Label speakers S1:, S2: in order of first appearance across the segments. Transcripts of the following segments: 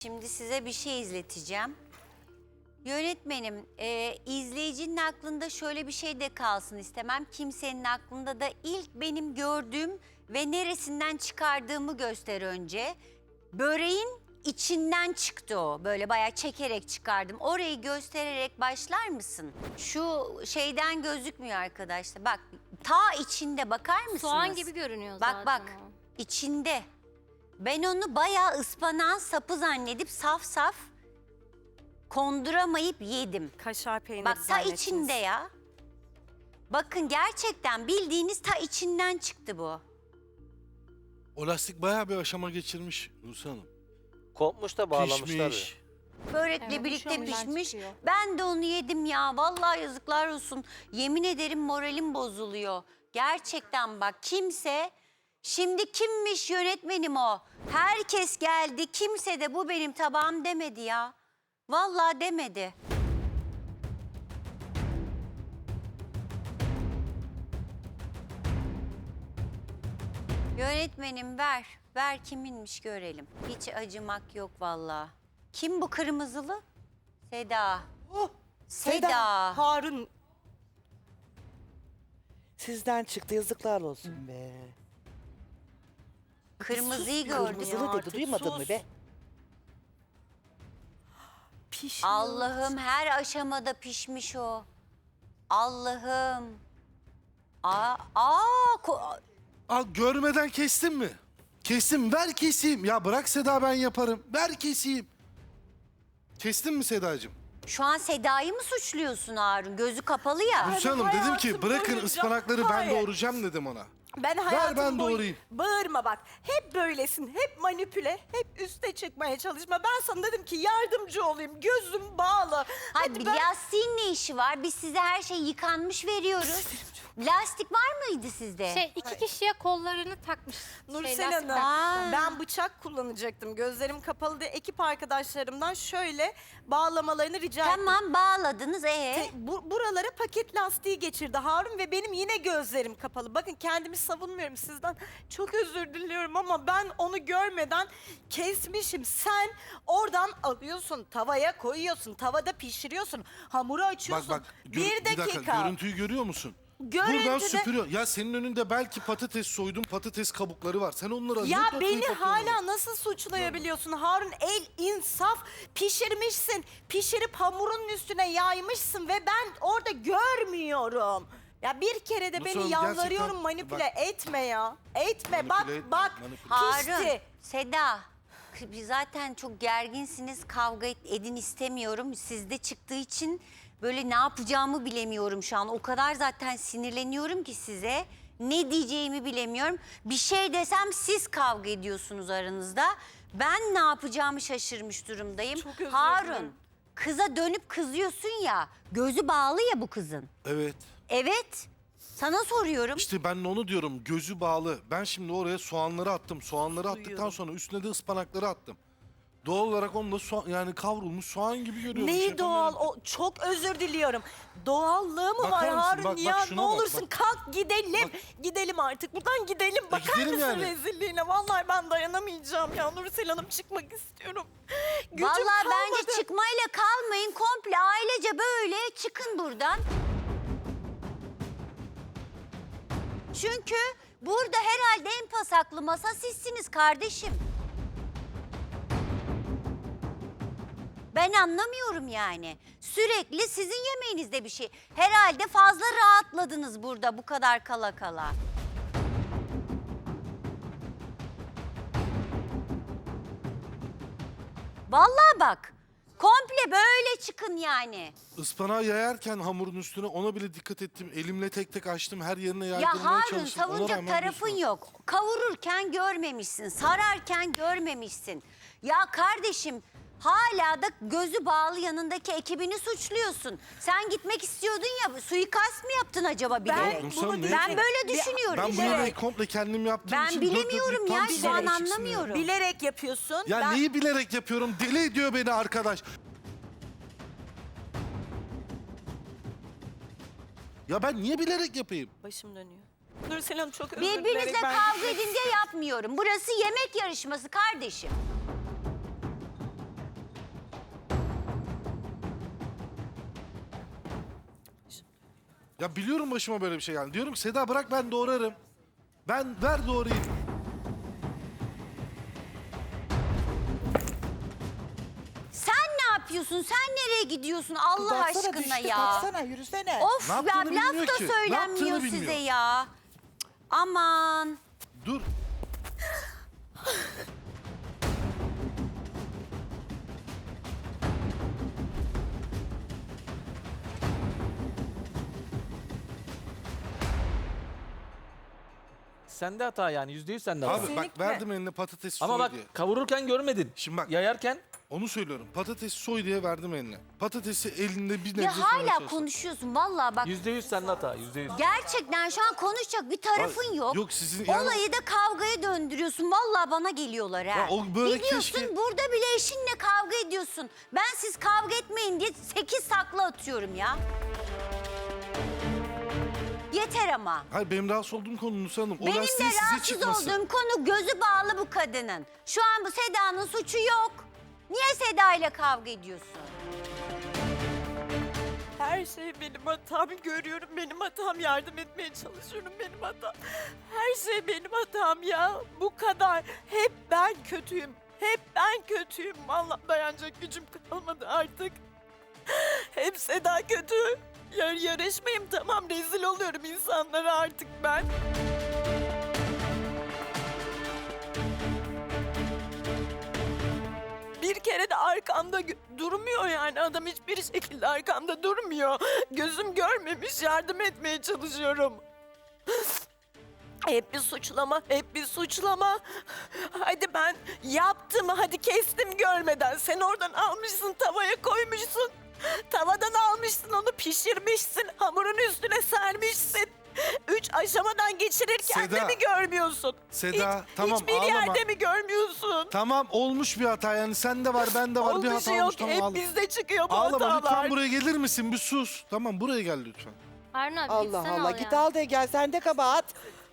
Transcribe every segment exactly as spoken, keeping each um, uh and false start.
S1: Şimdi size bir şey izleteceğim. Yönetmenim, e, izleyicinin aklında şöyle bir şey de kalsın istemem. Kimsenin aklında da ilk benim gördüğüm ve neresinden çıkardığımı göster önce. Böreğin içinden çıktı o. Böyle bayağı çekerek çıkardım. Orayı göstererek başlar mısın? Şu şeyden gözükmüyor arkadaşlar. Bak, ta içinde bakar mısınız?
S2: Soğan gibi görünüyor
S1: Bak
S2: zaten
S1: bak,
S2: o.
S1: içinde. Ben onu bayağı ıspanağın sapı zannedip saf saf konduramayıp yedim.
S3: Kaşar peyniri
S1: Bak ta
S3: zannettiniz.
S1: içinde ya. Bakın gerçekten bildiğiniz ta içinden çıktı bu.
S4: O lastik bayağı bir aşama geçirmiş Nursel Hanım.
S5: Kopmuş da bağlamışlar.
S4: Pişmiş.
S1: Börekle
S2: Evet,
S1: birlikte
S2: şu andan
S1: pişmiş.
S2: çıkıyor.
S1: Ben de onu yedim ya. Vallahi yazıklar olsun. Yemin ederim moralim bozuluyor. Gerçekten bak kimse... Şimdi kimmiş yönetmenim o? Herkes geldi. Kimse de bu benim tabağım demedi ya. Vallahi demedi. Yönetmenim ver. Ver kiminmiş görelim. Hiç acımak yok vallahi. Kim bu kırmızılı? Seda.
S3: Oh,
S1: Seda.
S3: Harun. Sizden çıktı, yazıklar olsun be.
S1: Kırmızıyı
S3: Sus,
S1: gördüm.
S3: kırmızılı
S1: ya.
S3: dedi, duymadın mı be? Pişmiş.
S1: Allah'ım her aşamada pişmiş o. Allah'ım. Aa, aa, ko-
S4: Aa, görmeden kestin mi? Kestim, ver keseyim. Ya bırak Seda, ben yaparım. Ver keseyim. Kestin mi Sedacığım?
S1: şu an Seda'yı mı suçluyorsun Harun? Gözü kapalı ya.
S4: Nursel Hanım dedim ki
S3: hayatım
S4: bırakın
S3: boyunca-
S4: ıspanakları ben
S3: Hayır.
S4: doğuracağım dedim ona.
S3: Ben
S4: Ver
S3: hayatım
S4: ben
S3: boyu-
S4: doğrayayım.
S3: Bağırma bak. Hep böylesin. Hep manipüle. Hep üste çıkmaya çalışma. Ben sana dedim ki yardımcı olayım. Gözüm bağlı.
S1: Hayır,
S3: Hadi
S1: bir
S3: ben...
S1: lastiğin ne işi var? Biz size her şey yıkanmış veriyoruz. Lastik var mıydı sizde?
S2: Şey iki kişiye kollarını takmış.
S3: Nursel
S2: şey, lastik
S3: Hanım,
S1: Aa.
S3: ben bıçak kullanacaktım. Gözlerim kapalı diye ekip arkadaşlarımdan şöyle bağlamalarını rica ettim.
S1: Tamam bağladınız ee?
S3: Te- bu- buralara paket lastiği geçirdi Harun ve benim yine gözlerim kapalı. Bakın kendimi savunmuyorum sizden. Çok özür diliyorum ama ben onu görmeden kesmişim. Sen oradan alıyorsun, tavaya koyuyorsun, tavada pişiriyorsun, hamuru
S4: Bak
S3: açıyorsun.
S4: bak gör-
S3: bir dakika.
S4: dakika görüntüyü görüyor musun? Buradan
S3: Görüntüde-
S4: süpürüyor. Ya senin önünde belki patates soydun, patates kabukları var. Sen onları
S3: Ya
S4: ne toplayıp
S3: beni
S4: atıyorsun
S3: hala
S4: oraya?
S3: nasıl suçlayabiliyorsun Harun? El insaf, pişirmişsin. Pişirip hamurun üstüne yaymışsın ve ben orada görmüyorum. Ya bir kere de
S4: Nasıl
S3: beni
S4: oğlum,
S3: yalvarıyorum
S4: gerçekten-
S3: manipüle
S4: bak-
S3: etme ya. Etme
S4: Manipüle
S3: bak
S4: etme,
S3: bak
S4: manipüle.
S1: Harun,
S3: pişti.
S1: Seda, k- zaten çok gerginsiniz, kavga et- edin istemiyorum. Sizde çıktığı için böyle ne yapacağımı bilemiyorum şu an. O kadar zaten sinirleniyorum ki size. Ne diyeceğimi bilemiyorum. Bir şey desem siz kavga ediyorsunuz aranızda. Ben ne yapacağımı şaşırmış durumdayım.
S3: Çok özür
S1: Harun,
S3: dilerim.
S1: kıza dönüp kızıyorsun ya, gözü bağlı ya bu kızın.
S4: Evet.
S1: Evet, sana soruyorum.
S4: İşte ben de onu diyorum, gözü bağlı. Ben şimdi oraya soğanları attım. Soğanları attıktan
S3: Duyuyorum.
S4: sonra üstüne de ıspanakları attım. Doğal olarak onu da soğan, yani kavrulmuş soğan gibi görüyorum.
S3: Neyi
S4: Şey
S3: doğal?
S4: yapamıyorum.
S3: O çok özür diliyorum. Doğallığı mı
S4: Bakar
S3: var
S4: mısın?
S3: Harun
S4: Bak, bak,
S3: ya?
S4: şuna
S3: Ne
S4: bak,
S3: olursun
S4: bak.
S3: kalk gidelim.
S4: Bak.
S3: Gidelim artık. Buradan gidelim. Bakar
S4: gidelim
S3: mısın
S4: yani.
S3: rezilliğine? Vallahi ben dayanamayacağım ya. Nursel Hanım çıkmak istiyorum. Gücüm
S1: Vallahi
S3: kalmadı.
S1: bence çıkmayla kalmayın. Komple ailece böyle çıkın buradan. Çünkü burada herhalde en pasaklı masa sizsiniz kardeşim. Ben anlamıyorum yani. Sürekli sizin yemeğinizde bir şey. Herhalde fazla rahatladınız burada bu kadar kala kala. Vallahi bak. Komple böyle çıkın yani.
S4: Ispanağı yayarken hamurun üstüne ona bile dikkat ettim. Elimle tek tek açtım. Her yerine
S1: Ya
S4: yaydırmaya
S1: Harun
S4: çalıştım. Ona
S1: savunacak
S4: rağmen
S1: tarafın
S4: diyorsun-
S1: yok. Kavururken görmemişsin, sararken görmemişsin. Ya kardeşim hala da gözü bağlı yanındaki ekibini suçluyorsun. Sen gitmek istiyordun ya, suikast mı yaptın acaba bilerek?
S4: Nursel Hanım, ne-
S1: Ben böyle düşünüyorum.
S4: Ben bu
S1: bilerek.
S4: yemeği komple kendim yaptığım
S1: Ben
S4: için... dört
S1: bilemiyorum
S4: dörtlük
S1: ya,
S4: tam
S1: şu an
S4: bilerek çıksın
S1: anlamıyorum.
S3: Bilerek yapıyorsun.
S4: Ya, ya
S3: Ben-
S4: neyi bilerek yapıyorum? Deli ediyor beni arkadaş. Ya ben niye bilerek yapayım?
S3: Başım dönüyor. Nursel Hanım çok özür dilerim.
S1: Birbirinizle
S3: Ben
S1: kavga
S3: gitmek
S1: edin diye yapmıyorum. Burası yemek yarışması kardeşim.
S4: Ya biliyorum başıma böyle bir şey geldi. Diyorum ki Seda bırak ben doğrarım. Ben ver doğrayayım.
S1: Sen ne yapıyorsun? Sen nereye gidiyorsun Allah
S6: Baksana
S1: aşkına
S6: düştü,
S1: ya?
S6: kalksana yürüsene.
S1: Of
S4: Ne
S1: ya
S4: yaptığını
S1: laf
S4: bilmiyor
S1: da
S4: ki. Ne
S1: söylenmiyor
S4: yaptığını
S1: size
S4: bilmiyor.
S1: ya. Aman.
S4: Dur.
S7: Sende hata yani yüzde yüz sende hata.
S4: Abi bak
S3: Kesinlikle.
S4: verdim eline patates
S7: Ama
S4: soy
S7: bak
S4: diye.
S7: kavururken görmedin.
S4: Şimdi bak
S7: Yayarken
S4: onu söylüyorum. Patates soy diye verdim eline. Patatesi elinde bir nebze
S1: Ya
S4: soymaya
S1: hala
S4: çalıştım.
S1: konuşuyorsun vallahi bak.
S7: yüzde yüz sende hata. Yüzde yüz.
S1: Gerçekten şu an konuşacak bir tarafın
S4: Ay,
S1: yok.
S4: yok sizin yani-
S1: Olayı da kavgaya döndürüyorsun. Vallahi bana geliyorlar ha.
S4: Ya o böyle
S1: Gidiyorsun
S4: keşke-
S1: burada bile eşinle kavga ediyorsun. Ben siz kavga etmeyin diye sekiz takla atıyorum ya. Yeter ama.
S4: Hayır benim rahatsız olduğum konu Nusa Hanım. O
S1: Benim de
S4: lastiğin size
S1: rahatsız
S4: çıkması.
S1: olduğum konu gözü bağlı bu kadının. Şu an bu Seda'nın suçu yok. Niye Seda ile kavga ediyorsun?
S3: Her şey benim hatam. Görüyorum benim hatam. Yardım etmeye çalışıyorum benim hatam. Her şey benim hatam ya. Bu kadar. Hep ben kötüyüm. Hep ben kötüyüm. Vallahi dayanacak gücüm kalmadı artık. Hep Seda kötü. Yar yarışmayayım tamam rezil oluyorum insanlara artık ben. Bir kere de arkamda gö- durmuyor yani adam hiçbir şekilde arkamda durmuyor. Gözüm görmemiş yardım etmeye çalışıyorum. Hep bir suçlama, hep bir suçlama. Hadi ben yaptım, hadi kestim görmeden. Sen oradan almışsın, tavaya koymuşsun. Tavadan almışsın, onu pişirmişsin. Hamurun üstüne sermişsin. Üç aşamadan geçirirken
S4: Seda.
S3: de mi görmüyorsun?
S4: Seda,
S3: Hiç-
S4: tamam,
S3: Hiçbir
S4: ağlama.
S3: yerde mi görmüyorsun?
S4: Tamam olmuş bir hata yani sende var bende var bir
S3: Olmuş
S4: hata
S3: yok,
S4: olmuş tamam
S3: hep
S4: ağlama.
S3: bizde çıkıyor bu
S4: Ağlama
S3: hatalar.
S4: lütfen buraya gelir misin bir sus. Tamam buraya gel lütfen.
S2: Harun abi
S6: Allah
S2: gitsen
S6: Allah
S2: al
S6: git
S2: ya.
S6: al de gel sende kabahat.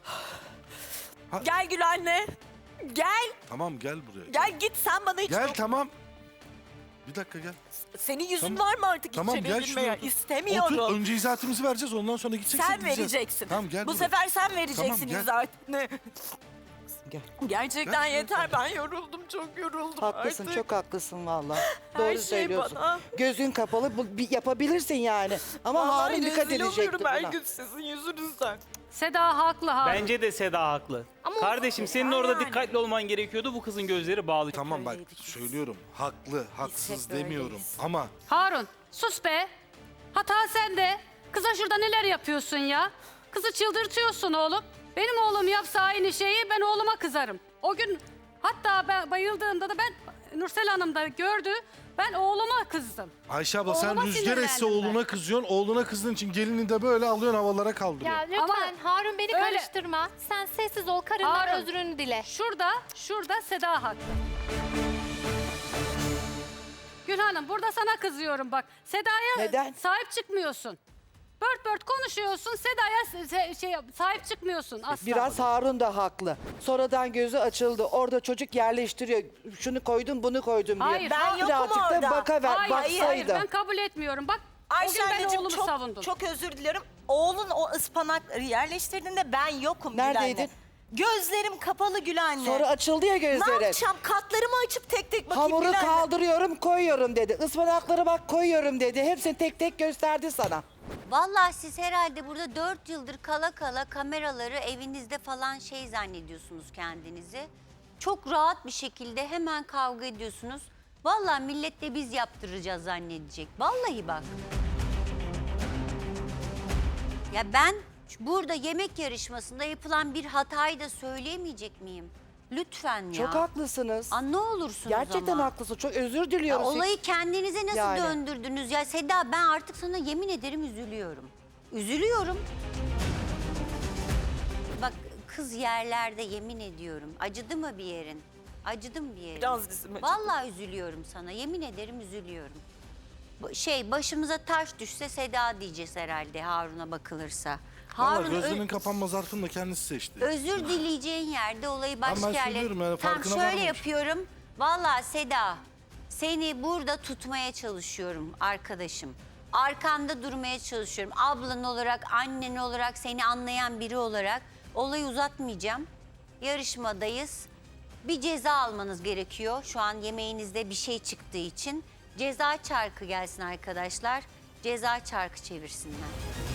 S3: Gel Gül anne. Gel,
S4: Tamam gel buraya.
S3: gel git sen bana hiç
S4: Gel
S3: dok-
S4: tamam. Bir dakika gel.
S3: Senin yüzün
S4: Tamam.
S3: var mı artık
S4: Tamam
S3: içeriye
S4: gel
S3: girmeye?
S4: şuraya. otur.
S3: İstemiyorum.
S4: Otur önce izahatımızı vereceğiz ondan sonra gideceksin
S3: Sen
S4: gideceğiz.
S3: vereceksin.
S4: Tamam gel
S3: Bu
S4: buraya.
S3: sefer sen vereceksin
S4: gel.
S3: zaten.
S6: Gel.
S3: Gerçekten
S4: Gel,
S3: yeter ben yoruldum çok yoruldum
S6: Haklısın
S3: artık.
S6: çok haklısın vallahi.
S3: Her
S6: Doğru
S3: şey
S6: söylüyorsun.
S3: bana.
S6: Gözün kapalı bu, bir yapabilirsin yani. Ama
S3: Vallahi
S6: Harun dikkat
S3: rezil
S6: edecekti
S3: oluyorum her
S6: buna.
S3: gün sizin yüzünüzden.
S2: Seda haklı Harun.
S8: Bence de Seda haklı.
S2: Ama
S8: Kardeşim senin
S3: Yani.
S8: orada dikkatli olman gerekiyordu. Bu kızın gözleri bağlı.
S4: Tamam bak
S3: Öyleydik biz.
S4: söylüyorum haklı haksız
S3: hep
S4: demiyorum
S3: öyleyiz.
S4: ama
S2: Harun sus be. Hata sende. Kıza şurada neler yapıyorsun ya? Kızı çıldırtıyorsun oğlum. Benim oğlum yapsa aynı şeyi ben oğluma kızarım. O gün hatta ben bayıldığımda da ben Nursel Hanım da gördü. Ben oğluma kızdım.
S4: Ayşe abla sen
S2: Oğluma
S4: rüzgar esse
S2: sinirlendim ben.
S4: oğluna kızıyorsun. Oğluna kızdığın için gelini de böyle alıyorsun havalara kaldırıyorsun.
S9: Ya lütfen
S2: Ama
S9: Harun beni
S2: öyle-
S9: karıştırma. Sen sessiz ol, karından
S2: Harun.
S9: özrünü dile.
S2: Şurada, şurada Seda haklı. Gül Hanım burada sana kızıyorum bak. Seda'ya
S6: Neden?
S2: sahip çıkmıyorsun. Bört bört konuşuyorsun. Seda'ya se- şey, sahip çıkmıyorsun asla.
S6: Biraz Harun da haklı. Sonradan gözü açıldı. Orada çocuk yerleştiriyor. Şunu koydum bunu koydum diye.
S2: Hayır,
S3: Ben yokum
S6: Birazcık da
S3: orada.
S6: bakaver,
S2: Hayır, hayır,
S6: baksaydı.
S2: ben kabul etmiyorum. Bak
S3: Ayşe
S2: o gün ben
S3: anneciğim
S2: oğlumu
S3: çok,
S2: savundum.
S3: çok özür diliyorum. Oğlun o ıspanakları yerleştirdiğinde ben yokum Gül
S6: Neredeydin?
S3: anne. Gözlerim kapalı Gül anne.
S6: Sonra açıldı ya
S3: ne
S6: gözleri.
S3: yapacağım? Katlarımı açıp tek tek bakayım
S6: Hamuru
S3: Gül anne.
S6: kaldırıyorum koyuyorum dedi. Ispanakları bak koyuyorum dedi. Hepsini tek tek gösterdi sana.
S1: Vallahi siz herhalde burada dört yıldır kala kala kameraları evinizde falan şey zannediyorsunuz kendinizi. Çok rahat bir şekilde hemen kavga ediyorsunuz. Vallahi millet de biz yaptıracağız zannedecek. Vallahi bak. Ya ben burada yemek yarışmasında yapılan bir hatayı da söyleyemeyecek miyim? Lütfen ya.
S6: Çok haklısınız.
S1: Aa, ne olursunuz
S6: Gerçekten
S1: ama.
S6: haklısın. Çok özür
S1: Ya
S6: diliyoruz.
S1: olayı kendinize nasıl
S6: Yani.
S1: döndürdünüz ya? Seda ben artık sana yemin ederim üzülüyorum. Üzülüyorum. Bak kız yerlerde yemin ediyorum. Acıdı mı bir yerin? Acıdı mı bir yerin?
S3: Biraz dizim acıdı.
S1: Vallahi üzülüyorum sana. Yemin ederim üzülüyorum. Bu- Şey başımıza taş düşse Seda diyeceğiz herhalde Harun'a bakılırsa.
S4: Valla
S1: Harun ö-
S4: gözlerinin kapanma zarfını da kendisi seçti.
S1: özür dileyeceğin yerde olayı başka
S4: ben
S1: yerlere...
S4: söylüyorum yani,
S1: Tamam
S4: farkına
S1: şöyle
S4: varmamış.
S1: yapıyorum. Vallahi Seda seni burada tutmaya çalışıyorum arkadaşım. Arkanda durmaya çalışıyorum. Ablan olarak, annen olarak, seni anlayan biri olarak olayı uzatmayacağım. Yarışmadayız. Bir ceza almanız gerekiyor. Şu an yemeğinizde bir şey çıktığı için. Ceza çarkı gelsin arkadaşlar. Ceza çarkı çevirsinler.